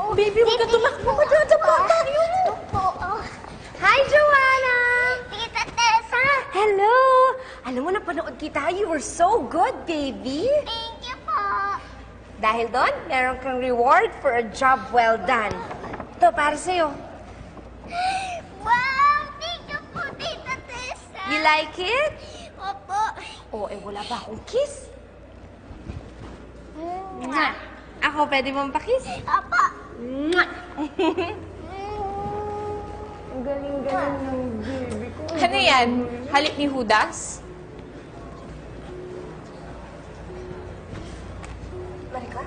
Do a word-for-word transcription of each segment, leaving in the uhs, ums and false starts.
Baby, huwag ka tumakbo. Madadapa tayo. Hi, Joanna! Tita Tessa! Hello! Alam mo, napanood kita. You were so good, baby. Thank you po. Dahil doon, meron kang reward for a job well done. Ito, para sa'yo. Wow! Thank you po, Tita Tessa! You like it? Opo. Oh, eh, wala ba akong kiss? Mwah! Ako, pwede mong pakiss? Opo. Mwah! Ang galing-galing ng baby ko. Ano yan? Halik ni Judas? Maricar?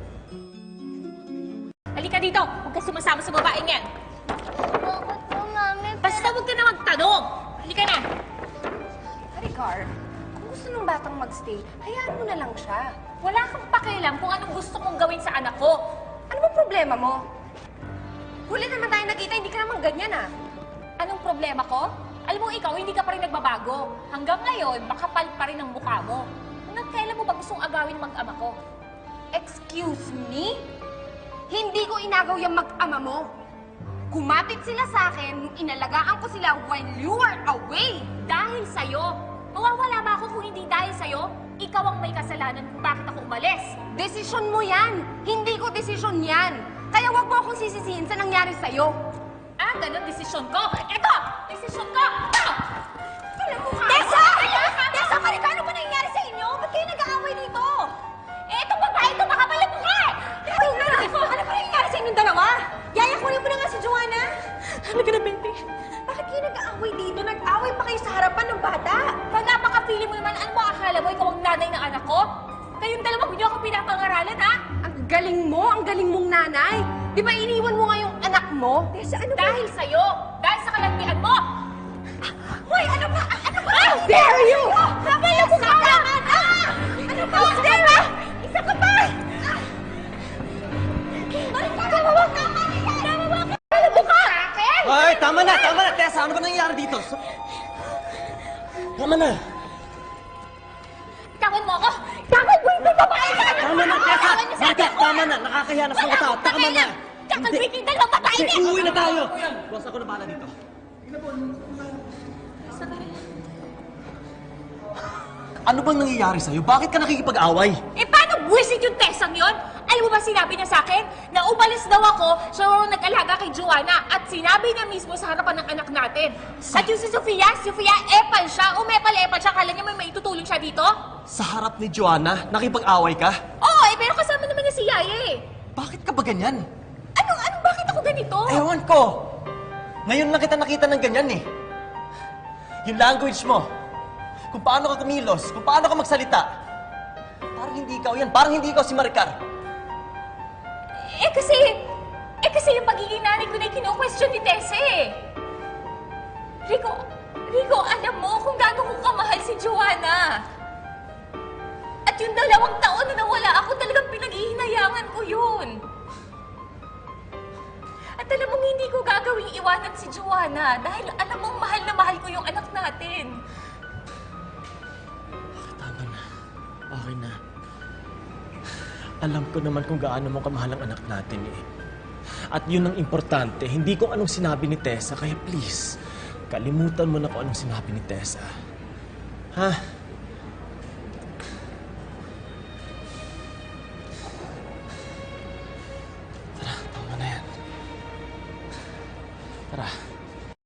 Halika dito! Huwag ka sumasama sa babaeng yan! Bakit po, Mami? Basta huwag ka na magtanong! Halika na! Maricar, kung gusto ng batang magstay, hayaan mo na lang siya. Wala kang pakialam kung anong gusto kong gawin sa anak ko. Ano ba problema mo? Huli naman tayo nakita, hindi ka naman ganyan ah. Anong problema ko? Alam mo, ikaw, hindi ka pa rin nagbabago. Hanggang ngayon, makapal pa rin ang mukha mo. Hanggang kailan mo ba gustong agawin mag-ama ko? Excuse me? Hindi ko inagaw yung mag-ama mo. Kumapit sila sa akin nung inalagaan ko sila while you were away. Dahil sa'yo. Mawawala ba ako kung hindi dahil sa'yo? Ikaw ang may kasalanan kung bakit ako umalis. Desisyon mo yan. Hindi ko desisyon yan. Kaya wag mo akong sisisihin sa nangyari sa'yo. Ah, ganun desisyon ko. Ito! Desisyon ko! Ito! Alam mo ka? Tessa! Tessa, Maricar, ano ba nangyayari sa inyo? Ba't kayo nag-aaway dito? Eh, itong babae ito, makapal ang mukha eh! Wait na! Ano ba nangyayari sa inyong dalawa? Yaya, kunin mo na nga si Joanna. Halika na, baby. Bakit kayo nag-aaway dito? Nag-aaway pa kayo sa harapan ng bata. Pag napaka-feeling mo naman, ano mo akala mo, ikaw ang nanay ng anak ko? Kayong dalawa, hindi ako pinapangaralan, ha? Ang galing mo, ang galing mong nanay. Di ba iniwan mo nga yung anak mo? Tessa, ano ba? Dahil sa'yo! Dahil sa kalantian mo! Hoy, ano ba? Ano ba? How dare you? Kaya mo ka! Ah! Ano ba? How dare you? Isa ka pa! Maricar, tama ka! Tama ka! Alam mo ka! Akin! Ay, tama na, tama na. Tessa, ano ba nangyayari dito? Tama na. Tawan mo ako! Tawan mo yung babae ka! Tama na, Tessa. Marka, tama na. Nakakahiya na sa mga tao. Tama na. Kakalbitin dalawang babae Hindi, niya! uuwi na tayo. Boss, ako na bahala dito. Ano bang nangyayari sa'yo? Bakit ka nakikipag-away? Eh, paano buwisit yung Tessang yun? Alam mo ba sinabi niya sa akin? Na umalis daw ako, siya ang nag-alaga kay Joanna. At sinabi niya mismo sa harapan ng anak natin. Sa- At yung si Sofia, Sofia, epal siya. Umepal-epal siya. Kala niya may maitutulong siya dito? Sa harap ni Joanna, nakipag-away ka? Oo, eh, pero kasama naman niya si Yaya eh. Bakit ka ba ganyan? Ano, ano, bakit ako ganito? Ewan ko. Ngayon lang kita nakita ng ganyan eh. Yung language mo. Kung paano ka kumilos, kung paano ka magsalita. Parang hindi ikaw yan. Parang hindi ikaw si Maricar. Eh kasi, eh kasi yung pagiging nanay ko na kino-question ni Tessa eh. Rico, Rico, alam mo kung gaano ko kamahal si Joanna. At yung dalawang taon na nawala ako, talagang pinag-ihinayangan ko yun. At alam mong hindi ko gagawing iwanan si Joanna dahil alam mong mahal na mahal ko yung anak natin. Tama na. Okay na. Alam ko naman kung gaano mo kamahal ang anak natin eh. At yun ang importante, hindi kung anong sinabi ni Tessa, kaya please, kalimutan mo na kung anong sinabi ni Tessa. Ha? Tara, tama na yan. Tara.